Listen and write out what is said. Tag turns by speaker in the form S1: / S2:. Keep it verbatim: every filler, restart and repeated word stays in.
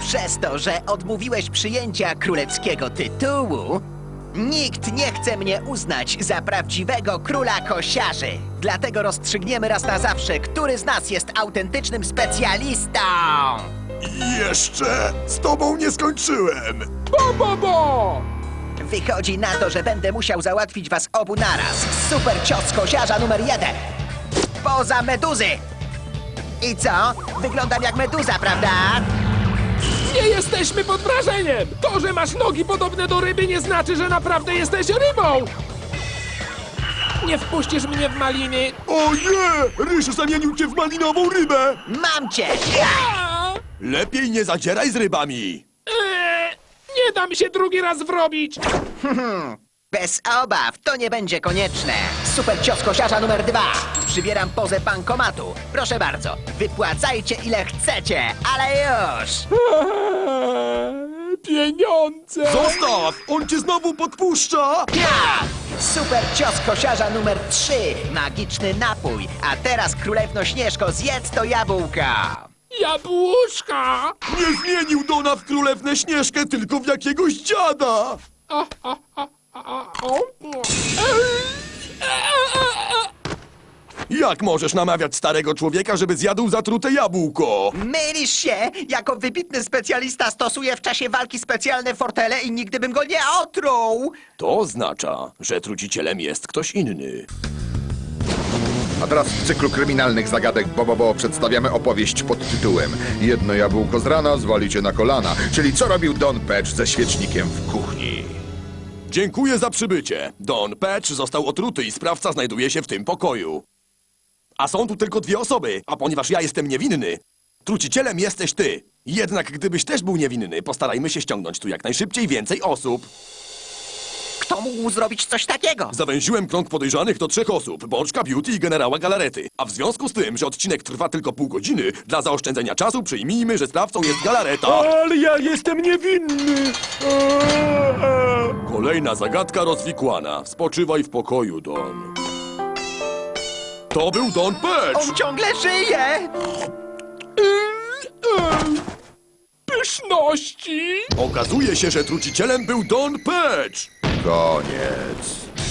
S1: Przez to, że odmówiłeś przyjęcia królewskiego tytułu, nikt nie chce mnie uznać za prawdziwego króla kosiarzy. Dlatego rozstrzygniemy raz na zawsze, który z nas jest autentycznym specjalistą.
S2: Jeszcze z tobą nie skończyłem.
S3: Bo, bo, bo!
S1: Wychodzi na to, że będę musiał załatwić was obu naraz. Super cios kosiarza numer jeden. Poza meduzy. I co? Wyglądam jak meduza, prawda?
S3: Nie jesteśmy pod wrażeniem! To, że masz nogi podobne do ryby, nie znaczy, że naprawdę jesteś rybą! Nie wpuścisz mnie w maliny!
S2: O nie! Ryż zamienił cię w malinową rybę!
S1: Mam cię!
S3: A!
S2: Lepiej nie zadzieraj z rybami!
S3: Eee, nie dam się drugi raz wrobić!
S1: Bez obaw, to nie będzie konieczne. Super cios kosiarza numer dwa. Przybieram pozę bankomatu. Proszę bardzo, wypłacajcie ile chcecie, ale już!
S3: Eee, pieniądze!
S2: Zostaw! On cię znowu podpuszcza!
S1: Ja! Super cios kosiarza numer trzy. Magiczny napój. A teraz, królewno Śnieżko, zjedz to jabłka.
S3: Jabłuszka!
S2: Nie zmienił Dona w królewnę Śnieżkę, tylko w jakiegoś dziada!
S3: A, a, a, a, o. Eee, e, e, e.
S2: Jak możesz namawiać starego człowieka, żeby zjadł zatrute jabłko?
S1: Mylisz się! Jako wybitny specjalista stosuję w czasie walki specjalne fortele i nigdy bym go nie otruł!
S2: To oznacza, że trucicielem jest ktoś inny.
S4: A teraz w cyklu kryminalnych zagadek Bobobo przedstawiamy opowieść pod tytułem Jedno jabłko z rana zwali cię na kolana, czyli co robił Don Patch ze świecznikiem w kuchni.
S2: Dziękuję za przybycie. Don Patch został otruty i sprawca znajduje się w tym pokoju. A są tu tylko dwie osoby, a ponieważ ja jestem niewinny, trucicielem jesteś ty. Jednak gdybyś też był niewinny, postarajmy się ściągnąć tu jak najszybciej więcej osób.
S1: Kto mógł zrobić coś takiego?
S2: Zawęziłem krąg podejrzanych do trzech osób, Boczka, Beauty i generała Galarety. A w związku z tym, że odcinek trwa tylko pół godziny, dla zaoszczędzenia czasu przyjmijmy, że sprawcą jest Galareta.
S3: Ale ja jestem niewinny! Eee, eee.
S2: Kolejna zagadka rozwikłana. Spoczywaj w pokoju, Don. To był Don Patch!
S1: On ciągle żyje!
S3: Eee, eee. Pyszności!
S2: Okazuje się, że trucicielem był Don Patch!
S4: Koniec.